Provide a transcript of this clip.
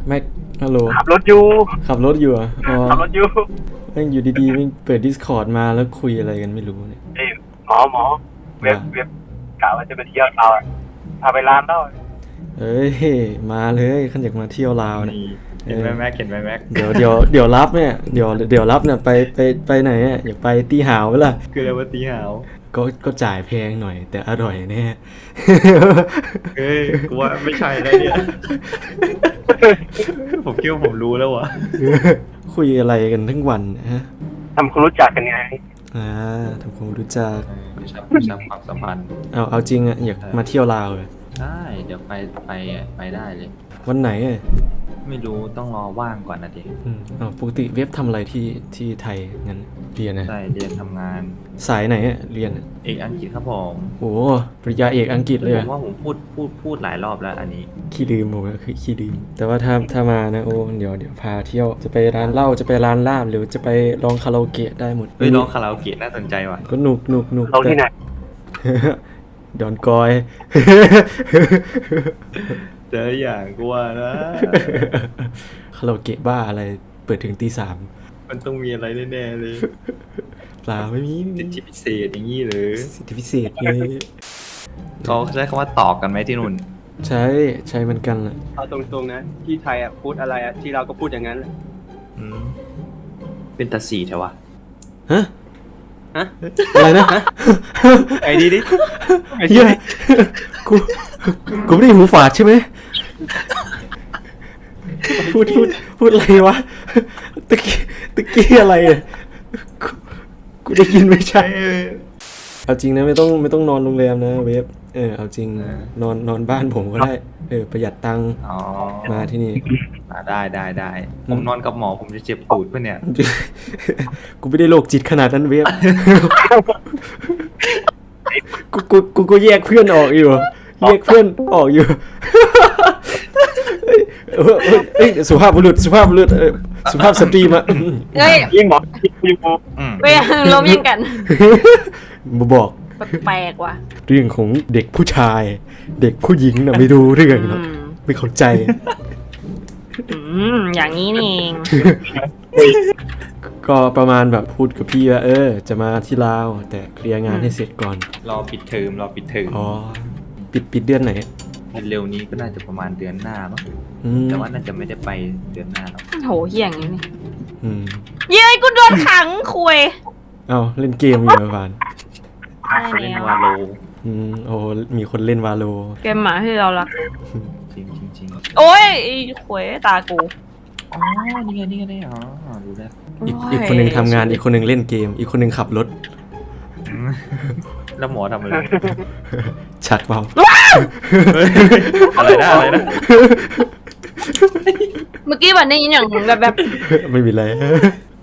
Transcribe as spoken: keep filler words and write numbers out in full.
แม็กฮัลโหลขับรถอยู่ขับรถอยู่อ่ะอ๋อขับรถอยู่แม่งอยู่ดีๆแม่งเปิด Discord มาแล้วคุยอะไรกันไม่รู้เนี่ยเอ้ยหมอหมอเว็บเว็บกะว่าจะไปเที่ยวเราอะพาไปร้านเหล้าเอ้ยมาเลยขันอยากมาเที่ยวลาวเนี่ยเห็นไหมแม็กเห็นไหมแม็กเดี๋ยวเดี๋ยวเดี๋ยวรับเนี่ยเดี๋ยวเดี๋ยวรับเนี่ยไปไปไปไหนอ่ะอยากไปตีหาวไหมล่ะคืออะไรวะตีหาวก็ก็จ่ายแพงหน่อย แต่อร่อยแน่เฮ้ยกูว่าไม่ใช่แล้วเนี่ย ผมคิดว่าผมรู้แล้ววะคุยอะไรกันทั้งวันฮะทำคนรู้จักกันไงอ่าทำความรู้จักไม่ชอบชอบความสัมพันธ์เอาเอาจริงอ่ะอยากมาเที่ยวลาวเลยใช่เดี๋ยวไปไปไปได้เลยวันไหนอ่ะไม่รู้ต้องรอว่างก่อนนะดิอืมอ๋อปกติเว็บทำอะไรที่ที่ไทยงั้นเรียนนะใช่เรียนทำงานสายไหนอ่ะเรียนอะเอกอังกฤษครับผมโอ้ปริญญาเอกอังกฤษเลยผอะมว่าผมพูดพูดพูดหลายรอบแล้วอันนี้ขี้ลืมผมอะคือขี้ลืมแต่ว่าถ้าถ้ามานะโอ้เดี๋ยวเดี๋ยวพาเที่ยวจะไปร้านเหล้าจะไปร้านลาบหรือจะไปลองคาราโอเกะได้หมดเฮ้ยร้องคาราโอเกะน่าสนใจว่ะก็หนุกหนุกหนุกเราที่ไหนดอนกอยเจออย่างกูว่านะคาราโอเกะบ้าอะไรเปิดถึงตีสามมันต้องมีอะไรแน่ๆเลยเปล่าไม่มีสิทธิพิเศษอย่างนี้หรือสิทธิพิเศษเลยเขาใช้คำว่าตอกกันไหมที่นู่นใช้ใช้เหมือนกันแหละเอาตรงๆนะที่ไทยอ่ะพูดอะไรอ่ะที่เราก็พูดอย่างนั้นแหละอืมเป็นตาสีเถอะวะฮะฮะอะไรนะไอ้ดีดิไอ้เฮีดียดิกูกูไม่ได้หูฝาดใช่ไหมพูดพูดพูดอะไรวะตะกี้ตะกี้อะไรอ่ะกูกูได้ยินไม่ใช่เอาจริงนะไม่ต้องไม่ต้องนอนโรงแรมนะเวฟเออเอาจริงนอนนอนบ้านผมก็ได้เออประหยัดตังค์อ๋อมาที่นี่อ่าได้ได้ได้ผมนอนกับหมอผมจะเจ็บตูดปะเนี่ยกูไม่ได้โรคจิตขนาดนั้นเวฟ กูกูกูก็แยกเพื่อนออกอยู่แยกเพื่อนออกอยู่ เฮ้ยเฮ้ยเฮ้ยสุภาพบุรุษสุภาพบุรุษเออสุภาพสตรีมาเฮ้ยยิ่งบอกยิ่งบอกอืมไม่ล้มยิงกันมาบอกแปลกๆว่ะเรื่องของเด็กผู้ชาย เด็กผู้หญิงน่ะไม่รู้เรื่องหรอกอืมไม่เข้าใจอืมอย่างนี้นี่เองก็ประมาณแบบพูดกับพี่ว่าเออ จะมาที่ลาวแต่เคลียร์งานให้เสร็จก่อนรอปิดเทอมรอปิดเทอมอ๋อปิดปิดเดือนไหนเร็วนี้ก็น่าจะประมาณเดือนหน้ามั้งอืมแต่ว่าน่าจะไม่ได้ไปเดือนหน้าหรอกโหเหี้ยอย่างนี้นี่อืมเย้ยกูโดนขังคุยเอาเล่นเกมอยู่เหรอฟานได้เขาเล่นแล้ววาโลอืมโอ้มีคนเล่นวาโลเกมหมาที่เรารักจริงจริงจริงโอ้ยไอ้คุยตากูอ๋อนี่ไงนี่ไงนี่ไงอ๋อรู้แล้วอีกอีกคนหนึ่งทำงานอีกคนหนึ่งเล่นเกม อีกคนหนึ่งขับรถอืมแล้วหมอทำอะไรชัดเปล่าอะไรนะอะไรนะเมื่อกี้วันได้ยินอย่างแบบแบบไม่มีอะไร